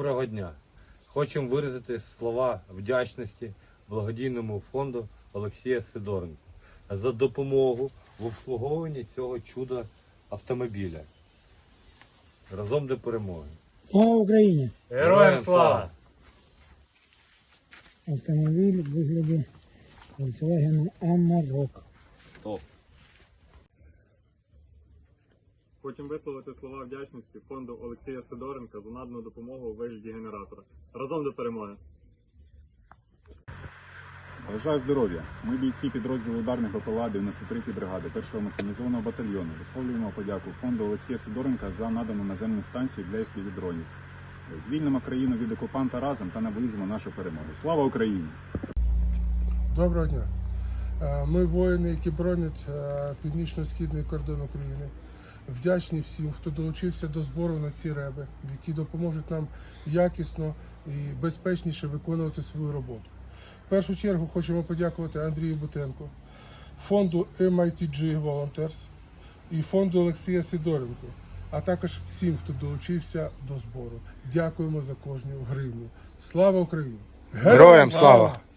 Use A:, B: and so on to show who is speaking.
A: Доброго дня! Хочемо виразити слова вдячності благодійному фонду Олексія Сидоренка за допомогу в обслуговуванні цього чуда автомобіля. Разом до перемоги!
B: Слава Україні!
A: Героям слава!
B: Автомобіль в вигляді Volkswagen Amarok.
A: Стоп!
C: Хочемо висловити слова вдячності фонду Олексія Сидоренка за надану допомогу у вигляді генератора. Разом до перемоги!
D: Бажаю здоров'я! Ми бійці підрозділу ударних БПЛА 93-ї бригади 1-го механізованого батальйону висловлюємо подяку фонду Олексія Сидоренка за надану наземну станцію для FPV-дронів. Звільнимо країну від окупанта разом та наблизимо нашу перемогу. Слава Україні!
E: Доброго дня! Ми воїни, які бронять північно-східний кордон України. Вдячні всім, хто долучився до збору на ці реби, які допоможуть нам якісно і безпечніше виконувати свою роботу. В першу чергу хочемо подякувати Андрію Бутенку, фонду MITG Volunteers і фонду Олексія Сидоренко, а також всім, хто долучився до збору. Дякуємо за кожну гривню. Слава Україні!
F: Героям слава!